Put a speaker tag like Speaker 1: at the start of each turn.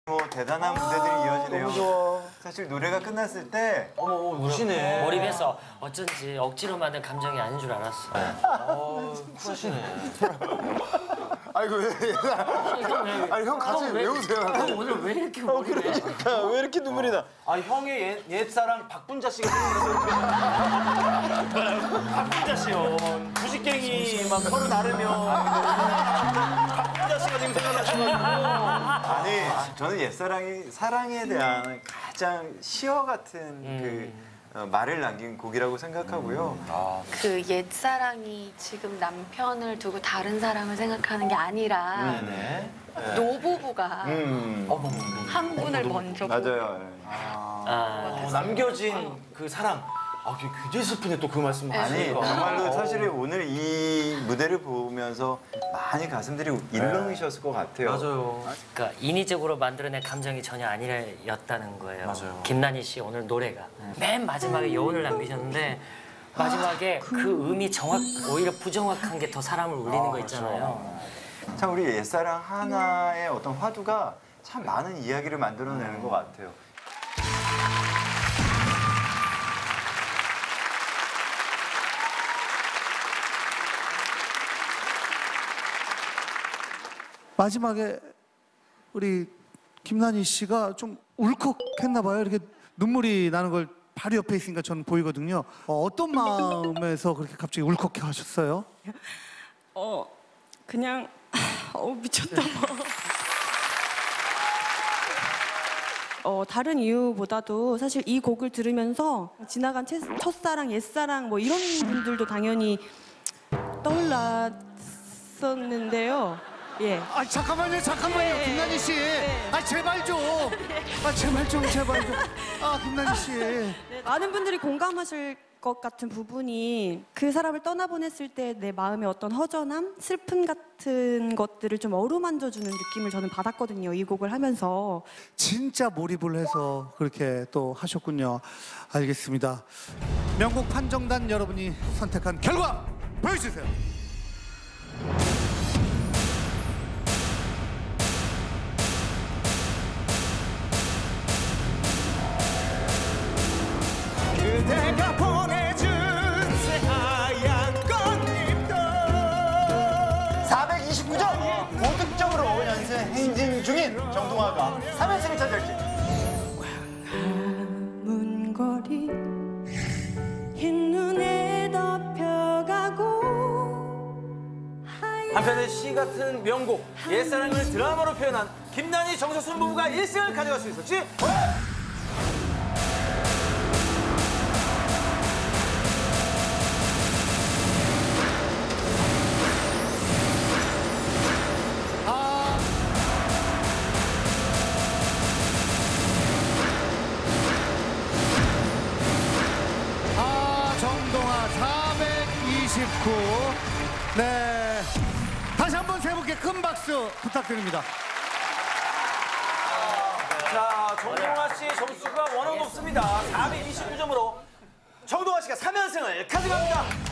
Speaker 1: 뭐 대단한 무대들이 이어지네요.
Speaker 2: 너무 좋아.
Speaker 1: 사실 노래가 끝났을 때
Speaker 2: 우시네.
Speaker 3: 몰입해서 어쩐지 억지로 만든 감정이 아닌 줄 알았어.
Speaker 2: 쿨하시네.
Speaker 4: 아이고 왜? 아니 형 같이 왜 우세요?
Speaker 3: 형 오늘 왜 이렇게 몰입해?
Speaker 1: 그러니까 왜 이렇게 눈물이 나?
Speaker 2: 아 형의 옛사랑 박분자 씨가 생각나서 박분자 씨요. 부식갱이 막 서로 나르면 박분자 씨가 지금 생각나셔가지고.
Speaker 1: 아니 저는 옛사랑이 사랑에 대한 가장 시어 같은 말을 남긴 곡이라고 생각하고요.
Speaker 5: 그 옛사랑이 지금 남편을 두고 다른 사람을 생각하는 게 아니라 노부부가 한 분을 먼저
Speaker 1: 맞아요.
Speaker 2: 남겨진 그 사랑. 아, 굉장히 슬프네 또 그 말씀
Speaker 1: 아니
Speaker 2: 하시니까.
Speaker 1: 정말로 사실 오늘 이 무대를 보면서 많이 가슴들이 일렁이셨을 것 같아요.
Speaker 2: 맞아요.
Speaker 3: 그러니까 인위적으로 만들어낸 감정이 전혀 아니었다는 거예요.
Speaker 2: 맞아요.
Speaker 3: 김난희 씨 오늘 노래가 맨 마지막에 여운을 남기셨는데 마지막에 그 음이 오히려 부정확한 게 더 사람을 울리는 거 있잖아요.
Speaker 1: 참 우리 옛사랑 하나의 어떤 화두가 참 많은 이야기를 만들어내는 것 같아요.
Speaker 6: 마지막에 우리 김난희 씨가 좀 울컥했나 봐요. 이렇게 눈물이 나는 걸 바로 옆에 있으니까 저는 보이거든요. 어떤 마음에서 그렇게 갑자기 울컥해 하셨어요?
Speaker 7: 그냥 미쳤다. 다른 이유보다도 사실 이 곡을 들으면서 지나간 첫사랑, 옛사랑 뭐 이런 분들도 당연히 떠올랐었는데요. 예.
Speaker 6: 아 잠깐만요,
Speaker 7: 예,
Speaker 6: 김난희 씨. 아 제발 좀. 제발 좀. 아 김난희 씨.
Speaker 7: 많은 분들이 공감하실 것 같은 부분이 그 사람을 떠나보냈을 때 내 마음의 어떤 허전함, 슬픔 같은 것들을 좀 어루만져주는 느낌을 저는 받았거든요. 이 곡을 하면서.
Speaker 6: 진짜 몰입을 해서 그렇게 또 하셨군요. 알겠습니다. 명곡 판정단 여러분이 선택한 결과 보여주세요.
Speaker 8: 그대가 보내준 새하얀 꽃잎도
Speaker 1: 429점! 고득점으로 연승 행진 중인 정동화가 3연승을 차지할지.
Speaker 7: 먼 거리 흰눈에 덮여가고
Speaker 2: 한편의 시 같은 명곡 옛사랑을 드라마로 표현한 김난희 정석순 부부가 1승을 가져갈 수 있을지.
Speaker 6: 정동화 429. 네. 다시 한번 세 분께 큰 박수 부탁드립니다.
Speaker 2: 자, 정동화 씨의 점수가 워낙 높습니다. 429점으로 정동화 씨가 3연승을 가져갑니다.